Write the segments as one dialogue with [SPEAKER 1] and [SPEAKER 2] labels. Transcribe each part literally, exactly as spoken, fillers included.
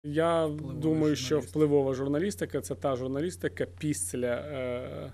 [SPEAKER 1] Я
[SPEAKER 2] Впливова
[SPEAKER 1] думаю, що
[SPEAKER 2] журналістика.
[SPEAKER 1] впливова журналістика – це та журналістика, після е,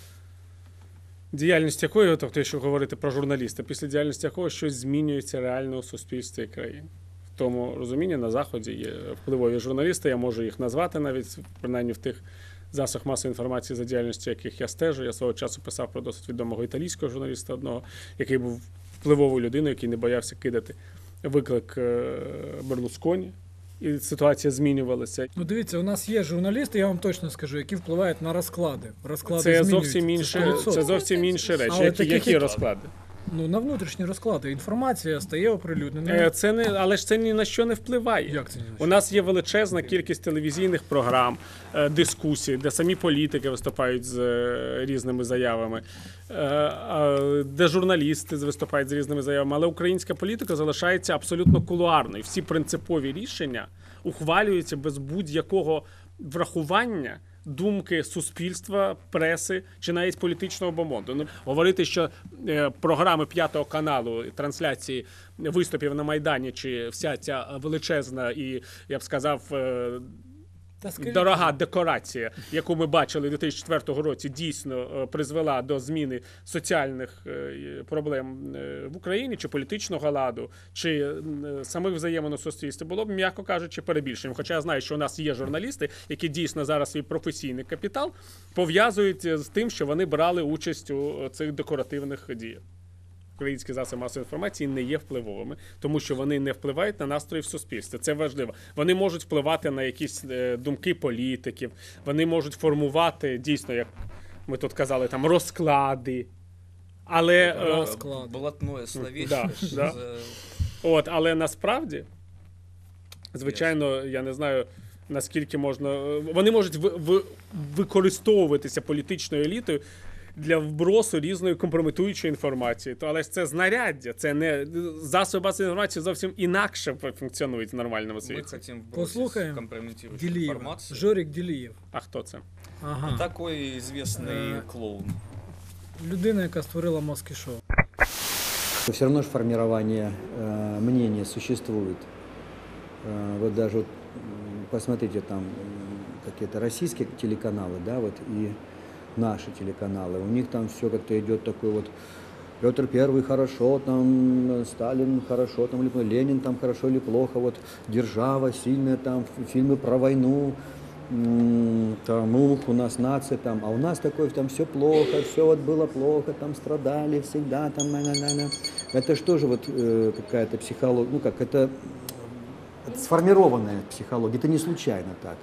[SPEAKER 1] діяльності якої, тобто, якщо говорити про журналіста, після діяльності якого щось змінюється реально у суспільстві і країні. В тому розумінні на Заході є впливові журналісти, я можу їх назвати навіть, принаймні в тих засобах масової інформації, за діяльністю яких я стежу. Я свого часу писав про досить відомого італійського журналіста одного, який був впливовою людиною, який не боявся кидати виклик е, Берлусконі. І ситуація змінювалася.
[SPEAKER 2] Ну дивіться, у нас є журналісти, я вам точно скажу, які впливають на розклади. Розклади
[SPEAKER 1] Це
[SPEAKER 2] змінюються.
[SPEAKER 1] зовсім інше,
[SPEAKER 2] сто відсотків.
[SPEAKER 1] це зовсім інші речі.
[SPEAKER 2] Але
[SPEAKER 1] Які,
[SPEAKER 2] таких,
[SPEAKER 1] які
[SPEAKER 2] як-
[SPEAKER 1] розклади?
[SPEAKER 2] Ну, на внутрішні розклади. Інформація стає оприлюдненою.
[SPEAKER 1] Е, Це не, але ж це ні на що не впливає.
[SPEAKER 2] Як це ні на що?
[SPEAKER 1] У нас є величезна кількість телевізійних програм, е, дискусій, де самі політики виступають з е, різними заявами, е, а, де журналісти виступають з різними заявами. Але українська політика залишається абсолютно кулуарною. Всі принципові рішення ухвалюються без будь-якого врахування думки суспільства, преси чи навіть політичного бомонду. Ну, говорити, що е, програми П'ятого каналу, трансляції виступів на Майдані, чи вся ця величезна і, я б сказав, е,
[SPEAKER 2] Та скажіть,
[SPEAKER 1] дорога декорація, яку ми бачили у дві тисячі четвертому році, дійсно е, призвела до зміни соціальних е, проблем е, в Україні, чи політичного ладу, чи е, самих взаємин у суспільстві, було б, м'яко кажучи, перебільшенням. Хоча я знаю, що у нас є журналісти, які дійсно зараз свій професійний капітал пов'язують з тим, що вони брали участь у цих декоративних діях. Українські засоби масової інформації не є впливовими, тому що вони не впливають на настрої в суспільстві. Це важливо. Вони можуть впливати на якісь е, думки політиків, вони можуть формувати, дійсно, як ми тут казали, там розклади. Але, е,
[SPEAKER 2] Розклад.
[SPEAKER 3] Блатное словечко.
[SPEAKER 1] Да,
[SPEAKER 3] що
[SPEAKER 1] да.
[SPEAKER 3] за-
[SPEAKER 1] от, але насправді, звичайно, я не знаю, наскільки можна... Вони можуть ви, ви, використовуватися політичною елітою для вбросу різної компрометуючої інформації. То, але ж це знаряддя, це не... Засоби масової інформації зовсім інакше функціонують в нормальному
[SPEAKER 3] Мы
[SPEAKER 1] світі.
[SPEAKER 3] хотим бросить
[SPEAKER 2] Послухаем
[SPEAKER 3] компрометирующую
[SPEAKER 2] Ділієва.
[SPEAKER 3] информацию.
[SPEAKER 2] Жорік Ділієв.
[SPEAKER 1] А хто це?
[SPEAKER 2] Ага.
[SPEAKER 3] Такой известный
[SPEAKER 2] Э,
[SPEAKER 3] клоун.
[SPEAKER 2] Людина, яка створила Москві шоу.
[SPEAKER 4] Все равно же формирование э, мнения существует. Э, вот даже вот, м, посмотрите там м, какие-то российские телеканалы, да, вот и наши телеканалы. У них там все как-то идет такой вот Петр Первый хорошо, там э, Сталин хорошо, там или Ленин там хорошо или плохо, вот держава сильная, там ф- фильмы про войну. М, Там ух, у нас нация там, а у нас такое там все плохо, все вот было плохо, там страдали всегда, там на-на-на-на. Это же тоже вот э, какая-то психология, ну как, это, это сформированная психология, это не случайно так.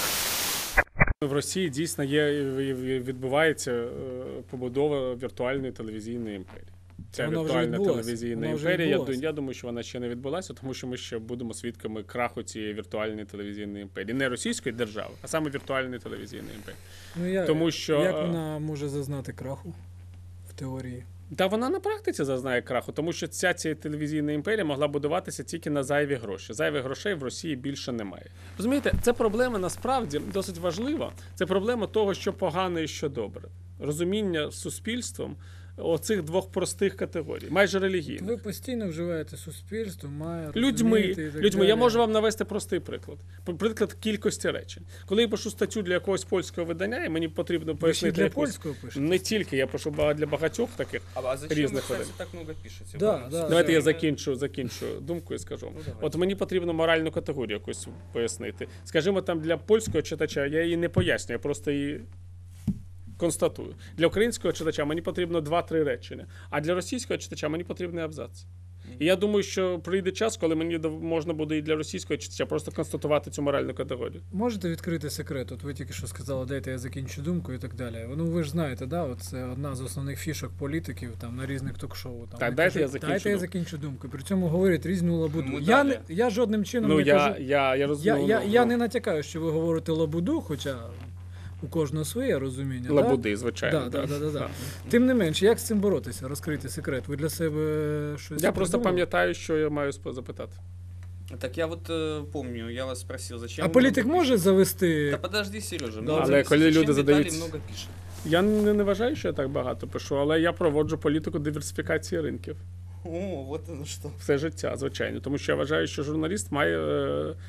[SPEAKER 1] В Росії дійсно є, і відбувається е, побудова віртуальної телевізійної імперії. Ця
[SPEAKER 2] Вона вже
[SPEAKER 1] віртуальна
[SPEAKER 2] відбулася.
[SPEAKER 1] телевізійна
[SPEAKER 2] Вона вже
[SPEAKER 1] імперія, я,
[SPEAKER 2] відбулася.
[SPEAKER 1] ду- я думаю, що вона ще не відбулася, тому що ми ще будемо свідками краху цієї віртуальної телевізійної імперії. Не російської держави, а саме віртуальної телевізійної імперії.
[SPEAKER 2] Ну, я,
[SPEAKER 1] Тому що,
[SPEAKER 2] як
[SPEAKER 1] е,
[SPEAKER 2] вона може зазнати краху в теорії?
[SPEAKER 1] Та вона на практиці зазнає краху, тому що ця, ця телевізійна імперія могла будуватися тільки на зайві гроші. Зайвих грошей в Росії більше немає. Розумієте, це проблема насправді досить важлива. Це проблема того, що погано і що добре. Розуміння суспільством оцих двох простих категорій, майже релігійних.
[SPEAKER 2] Ви постійно вживаєте суспільство, має
[SPEAKER 1] Людьми,
[SPEAKER 2] розуміти і так
[SPEAKER 1] людьми. Я
[SPEAKER 2] далі.
[SPEAKER 1] можу вам навести простий приклад. Пр- Приклад кількості речень. Коли я пишу статтю для якогось польського видання, і мені потрібно
[SPEAKER 2] Ви ще
[SPEAKER 1] пояснити
[SPEAKER 2] для
[SPEAKER 1] якусь...
[SPEAKER 2] польського пишете?
[SPEAKER 1] Не тільки, я пишу ба- для багатьох таких.
[SPEAKER 3] А, а зачем
[SPEAKER 1] Різних
[SPEAKER 3] вы, кстати,
[SPEAKER 1] видань.
[SPEAKER 3] так много пишете?
[SPEAKER 2] Да,
[SPEAKER 3] Вам
[SPEAKER 2] да.
[SPEAKER 1] Давайте я
[SPEAKER 3] социально-
[SPEAKER 1] закінчу, закінчу думку і скажу.
[SPEAKER 3] Ну, давайте.
[SPEAKER 1] От мені потрібно моральну категорію якусь пояснити. Скажімо, там для польського читача я її не пояснюю, я просто її констатую. Для українського читача мені потрібно два-три речення, а для російського читача мені потрібний абзац. І я думаю, що прийде час, коли мені дов- можна буде і для російського читача просто констатувати цю моральну категорію.
[SPEAKER 2] Можете відкрити секрет? От ви тільки що сказали, дайте я закінчу думку і так далі. Ну ви ж знаєте, да, от це одна з основних фішок політиків там на різних ток-шоу. Там,
[SPEAKER 1] Так,
[SPEAKER 2] вони
[SPEAKER 1] дайте
[SPEAKER 2] кажуть,
[SPEAKER 1] я закінчу
[SPEAKER 2] Дайте я
[SPEAKER 1] думку.
[SPEAKER 2] закінчу думку. При цьому говорять різну лабуду.
[SPEAKER 3] Ну,
[SPEAKER 2] Я,
[SPEAKER 3] далі.
[SPEAKER 2] не, я жодним чином
[SPEAKER 1] Ну,
[SPEAKER 2] не
[SPEAKER 1] я,
[SPEAKER 2] кажу.
[SPEAKER 1] я, я
[SPEAKER 2] Я,
[SPEAKER 1] розумію.
[SPEAKER 2] я,
[SPEAKER 1] ну,
[SPEAKER 2] я
[SPEAKER 1] ну,
[SPEAKER 2] не натякаю, що ви говорите лабуду, хоча у кожного своє розуміння.
[SPEAKER 1] Лабуди,
[SPEAKER 2] Да?
[SPEAKER 1] звичайно.
[SPEAKER 2] Да, да, да, да, да.
[SPEAKER 1] Так.
[SPEAKER 2] Тим не менш, як з цим боротися? Розкрити секрет. Ви для себе щось
[SPEAKER 1] Я просто
[SPEAKER 2] придумали?
[SPEAKER 1] пам'ятаю, що я маю спо- запитати.
[SPEAKER 3] Так я вот э, помню, я вас спросил, зачем
[SPEAKER 2] А
[SPEAKER 3] вы
[SPEAKER 2] політик
[SPEAKER 3] много
[SPEAKER 2] може завести.
[SPEAKER 3] Да подожди, Сережа.
[SPEAKER 2] Да,
[SPEAKER 3] мне
[SPEAKER 1] але
[SPEAKER 3] интересно,
[SPEAKER 1] коли
[SPEAKER 3] зачем
[SPEAKER 1] люди
[SPEAKER 3] Виталий
[SPEAKER 1] задають-
[SPEAKER 3] много пишет?
[SPEAKER 1] Я не, не вважаю, що я так багато пишу, але я проводжу політику диверсифікації ринків.
[SPEAKER 3] О, вот оно что.
[SPEAKER 1] Все життя, звичайно. Тому що я вважаю, що журналіст має е,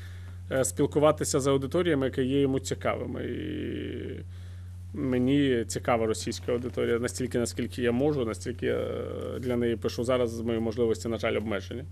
[SPEAKER 1] е, спілкуватися з аудиторіями, які є йому цікавими. І мені цікава російська аудиторія настільки, наскільки я можу, настільки я для неї пишу зараз, мої можливості, на жаль, обмежені.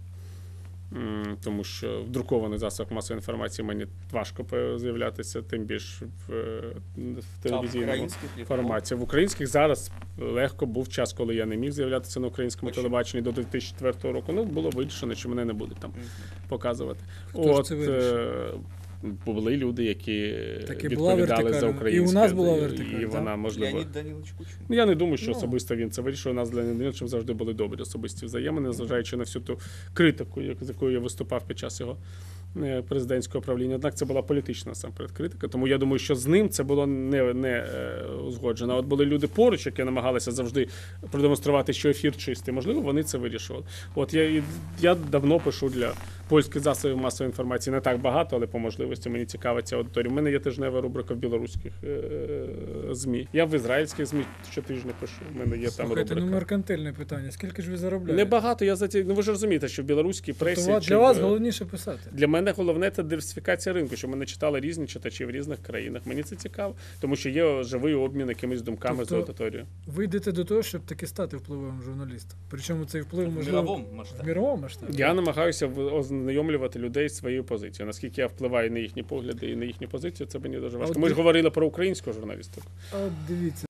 [SPEAKER 1] М, Тому що в друкованих засобах масової інформації мені важко з'являтися, тим більше в, е, в телевізійному
[SPEAKER 3] українських лі-
[SPEAKER 1] форматі. В українських зараз легко був час, коли я не міг з'являтися на українському
[SPEAKER 3] Почему?
[SPEAKER 1] телебаченні до дві тисячі четвертого року. Ну, було вирішено, що мене не будуть там
[SPEAKER 3] Мгм.
[SPEAKER 1] показувати.
[SPEAKER 2] Хто ж це вирішив?
[SPEAKER 1] е, були люди, які
[SPEAKER 2] Так і була
[SPEAKER 1] відповідали за
[SPEAKER 2] вертикаль.
[SPEAKER 1] українське.
[SPEAKER 2] І у нас була
[SPEAKER 1] і-
[SPEAKER 2] вертикаль,
[SPEAKER 1] І вона,
[SPEAKER 2] так?
[SPEAKER 1] можливо...
[SPEAKER 3] Леонід Данилович Кучма.
[SPEAKER 1] Ну, я не думаю, що
[SPEAKER 2] Ну.
[SPEAKER 1] особисто він це вирішив. У нас з Леонідом Даниловичем завжди були добрі особисті взаємини, незважаючи на всю ту критику, як- з якою я виступав під час його е, президентського правління. Однак це була політична насамперед критика. Тому я думаю, що з ним це було не, не е, узгоджено. А От були люди поруч, які намагалися завжди продемонструвати, що ефір чистий. Можливо, вони це вирішували. От я, і- я давно пишу для польських засобів масової інформації. Не так багато, але по можливості мені цікава ця аудиторія. У мене є тижнева рубрика в білоруських е, ЗМІ. Я в ізраїльських ЗМІ щотижня пишу. У мене є там
[SPEAKER 2] Слухайте, ну
[SPEAKER 1] рубрика.
[SPEAKER 2] меркантильне питання. Скільки ж ви заробляєте?
[SPEAKER 1] Небагато, я за ці... Ну ви ж розумієте, що в білоруській пресі...
[SPEAKER 2] Тобто,
[SPEAKER 1] чи
[SPEAKER 2] для вас
[SPEAKER 1] в-
[SPEAKER 2] головніше писати.
[SPEAKER 1] Для мене головне це диверсифікація ринку, щоб мене читали різні читачі в різних країнах. Мені це цікаво, тому що є живий обмін якимись думками
[SPEAKER 2] Тобто,
[SPEAKER 1] з аудиторією.
[SPEAKER 2] Ви йдете до того, щоб таки стати впливовим журналістом. Причому цей вплив
[SPEAKER 3] В
[SPEAKER 2] можливо
[SPEAKER 3] мировому масштабі.
[SPEAKER 2] в мировому масштабі.
[SPEAKER 1] Я намагаюся в- ознайомлювати людей з своєю позицією. Наскільки я впливаю на їхні погляди і на їхні позиції, це мені дуже важко.
[SPEAKER 2] от
[SPEAKER 1] Ми ж
[SPEAKER 2] ви-
[SPEAKER 1] говорили про українську журналістику.
[SPEAKER 2] А от дивіться,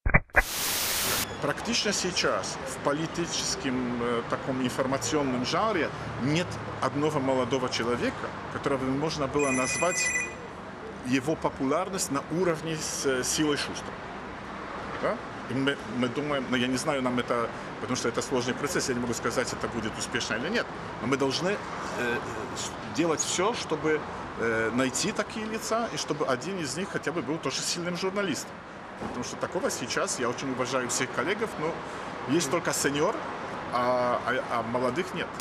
[SPEAKER 5] Практично сейчас в политическом э, таком информационном жанре нет одного молодого человека, которого можно было назвать его популярность на уровне с э, Силой Шустера. Да? И мы, мы думаем, ну я не знаю, нам это, потому что это сложный процесс, я не могу сказать, это будет успешно или нет, но мы должны э, с- делать все, чтобы э, найти такие лица, и чтобы один из них хотя бы был тоже сильным журналистом. Потому что такого сейчас, я очень уважаю всех коллегов, но есть только сеньор, а, а, а молодых нет.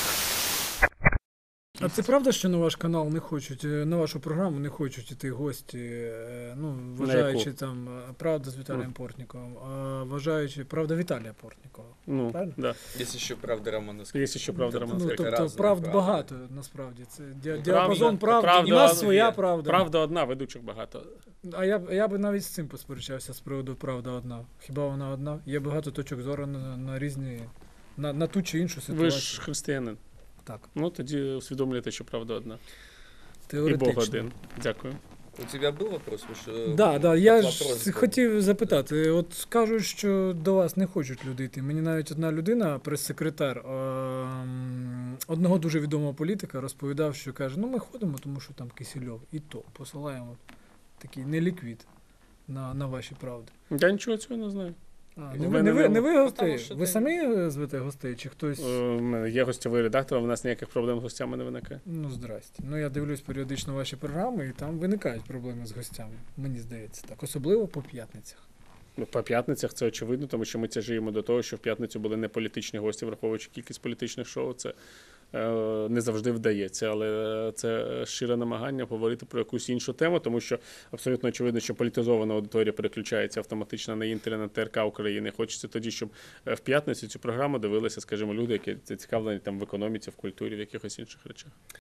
[SPEAKER 2] а це правда, що на ваш канал не хочуть, е, на вашу програму не хочуть іти гості, е, ну, вважаючи там е, правда з Віталієм
[SPEAKER 1] Ну.
[SPEAKER 2] Портніковим, а вважаючи правда Віталія Портнікова.
[SPEAKER 1] Ну,
[SPEAKER 2] Правильно?
[SPEAKER 1] да.
[SPEAKER 3] Есть еще правда Романовский.
[SPEAKER 1] Є ще правда, Роман
[SPEAKER 2] Ну,
[SPEAKER 1] Скрипка.
[SPEAKER 2] тобто
[SPEAKER 3] Разна
[SPEAKER 2] правд
[SPEAKER 3] правда.
[SPEAKER 2] багато насправді. Це дя-
[SPEAKER 1] Правда-
[SPEAKER 2] діапазон правди.
[SPEAKER 1] правда
[SPEAKER 2] І в нас
[SPEAKER 1] одна
[SPEAKER 2] своя
[SPEAKER 3] є.
[SPEAKER 2] правда.
[SPEAKER 1] Правда одна, ведучих багато.
[SPEAKER 2] А я, б- я би навіть з цим посперечався з приводу правда одна. Хіба вона одна? Є багато точок зору на, на різні, на, на ту чи іншу ситуацію.
[SPEAKER 1] Ви ж християнин.
[SPEAKER 2] Так,
[SPEAKER 1] Ну тоді усвідомлюєте, що правда одна. І
[SPEAKER 2] теоретично.
[SPEAKER 1] Бог один. Дякую.
[SPEAKER 3] У тебя был вопрос? Вы ж, э,
[SPEAKER 2] Да, да, я
[SPEAKER 3] вопрос
[SPEAKER 2] ж
[SPEAKER 3] был.
[SPEAKER 2] хотів запитати. От кажуть, що до вас не хочуть люди йти. Мені навіть одна людина, прес-секретар ем, одного дуже відомого політика, розповідав, що каже: ну ми ходимо, тому що там Кисельов. І то посилаємо такий неліквід на, на ваші правди.
[SPEAKER 1] Я нічого цього не знаю.
[SPEAKER 2] А,
[SPEAKER 1] В
[SPEAKER 2] не, ви,
[SPEAKER 1] мене
[SPEAKER 2] не, ви,
[SPEAKER 1] не-
[SPEAKER 2] не ви
[SPEAKER 3] Тому
[SPEAKER 2] гостей?
[SPEAKER 3] що
[SPEAKER 2] Ви
[SPEAKER 3] ти-
[SPEAKER 2] самі звете гостей, чи хтось?
[SPEAKER 1] Е, У мене є гостєвий редактор, а в нас ніяких проблем з гостями не виникає.
[SPEAKER 2] Ну, здрасте. Ну, я дивлюсь періодично ваші програми, і там виникають проблеми з гостями. Мені здається так. Особливо по п'ятницях.
[SPEAKER 1] Ну, по п'ятницях це очевидно, тому що ми тяжіємо до того, що в п'ятницю були не політичні гості, враховуючи кількість політичних шоу. Це е, не завжди вдається, але це щире намагання говорити про якусь іншу тему, тому що абсолютно очевидно, що політизована аудиторія переключається автоматично на Інтер, на ТРК України. Хочеться тоді, щоб е, в п'ятницю цю програму дивилися, скажімо, люди, які зацікавлені там в економіці, в культурі, в якихось інших речах.